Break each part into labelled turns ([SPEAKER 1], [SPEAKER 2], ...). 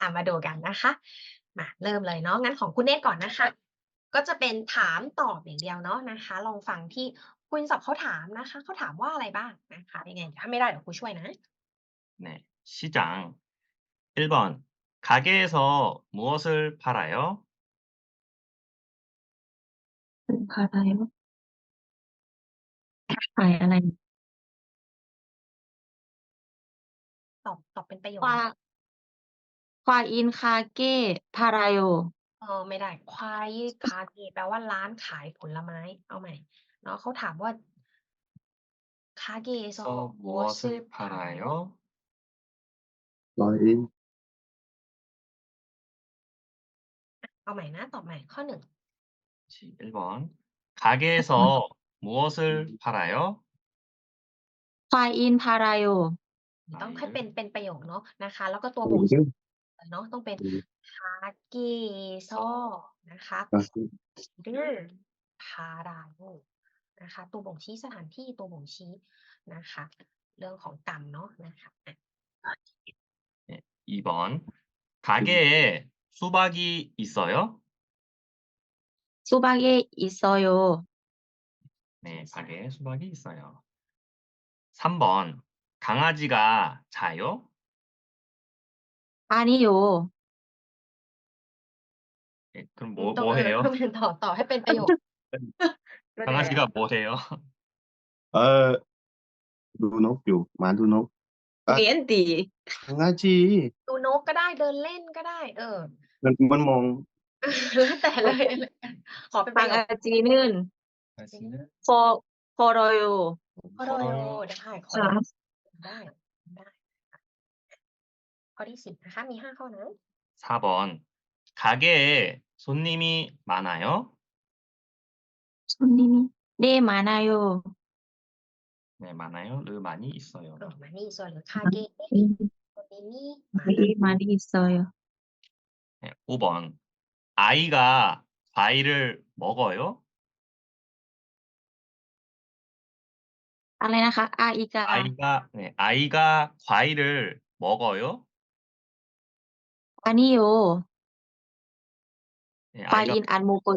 [SPEAKER 1] มาดูกันนะคะมาเริ่มเลยเนาะงั้นของคุณเนตรก่อนนะคะก็จะเป็นถามตอบอย่างเดียวเนาะนะคะลองฟังที่คุณศัพท์เขาถามนะคะเขาถามว่าอะไรบ้างนะคะยังไงถ้าไม่ได้เดี๋ยวครูช่วยนะ
[SPEAKER 2] 네. 시장. 1번. 가게에서 무엇을 팔아요?
[SPEAKER 3] 팔아요? ขายอะไร
[SPEAKER 1] ตอบเป็นประโยค
[SPEAKER 3] 과 과인 가게 팔아요.
[SPEAKER 1] ไม่ได้ควายคาเกแปลว่าร้านขายผลไม้เอาใหม่เนาะเขาถามว่า가게에서
[SPEAKER 2] 서
[SPEAKER 1] 무엇을
[SPEAKER 2] 무엇을
[SPEAKER 1] 팔아요?
[SPEAKER 2] 팔아요?
[SPEAKER 4] 과일,
[SPEAKER 1] เอาใหม่นะตอบใหม่ข้อ1
[SPEAKER 2] 1번. 가게에서 무엇을 팔아요?
[SPEAKER 3] 과인 팔아요.
[SPEAKER 1] ต้องให้เป็นประโยคเนาะนะคะแล้วก็ตัวบ่งชี้
[SPEAKER 4] 과일을,
[SPEAKER 1] เนาะต้องเป็น가게에서นะคะ
[SPEAKER 4] 가게,
[SPEAKER 1] 를 팔아요 นะคะตัวบ่งชี้สถานที่ตัวบ่งชี้นะคะเรื่องของกรรมเนาะนะคะอะ
[SPEAKER 2] 네. 2번. 가게에 수박이 있어요?
[SPEAKER 3] 수박이 있어요.
[SPEAKER 2] 네. 가게에 수박이 있어요. 3번. 강아지가 자요?
[SPEAKER 3] 아니요.
[SPEAKER 2] 네. 그럼
[SPEAKER 1] ต้อง
[SPEAKER 2] 뭐 해요?
[SPEAKER 1] ต้องเป็นต่อให้เป็นประโยค
[SPEAKER 2] 강아지가 뭐 해요?
[SPEAKER 4] 아, 눈옥유, 마두녹, 아,
[SPEAKER 3] 니엔디.
[SPEAKER 4] 강아지,
[SPEAKER 1] ดูนกก็ได้เดินเล่นก็ได้
[SPEAKER 4] มันมอง
[SPEAKER 1] แล้วแต่เลยขอเป็นประโยค
[SPEAKER 3] 강아지는
[SPEAKER 2] 강아지는
[SPEAKER 3] 걸어요.
[SPEAKER 1] 걸어요 ได้ขอได้ได้ค่ะข้อที่10นะคะมี5ข้อนะ
[SPEAKER 2] 4번. 가게에 손님이 많아요?
[SPEAKER 3] 손님이 네, 많아요.
[SPEAKER 2] 네. 많아요. 르 많이 있어요.
[SPEAKER 1] มานี่ส่วนหรือคาเกะ
[SPEAKER 3] 네,
[SPEAKER 1] ตัวนี้นี่มา
[SPEAKER 3] 네, 많이 있어요.
[SPEAKER 2] 네. 5번. 아이가 과일을 먹어요?
[SPEAKER 3] อะไรนะคะ 아이가
[SPEAKER 2] 아이가 과일을 먹어요?
[SPEAKER 3] 아니요.
[SPEAKER 2] 네. 아이가
[SPEAKER 3] 과인 안 먹어요.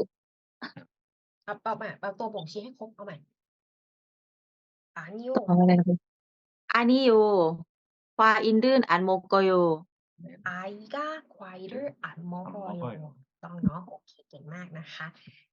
[SPEAKER 1] เอาตัวบ่งชี้ให้ครบเอาใหม่อานิโย
[SPEAKER 3] อะไรนะคะ 아니요. 과일은 안 먹어요.
[SPEAKER 1] 아이가 과일을 안
[SPEAKER 2] 안
[SPEAKER 1] 먹어요
[SPEAKER 2] 먹어요.
[SPEAKER 1] ต้องเนาะโอเคเก่งมากนะคะ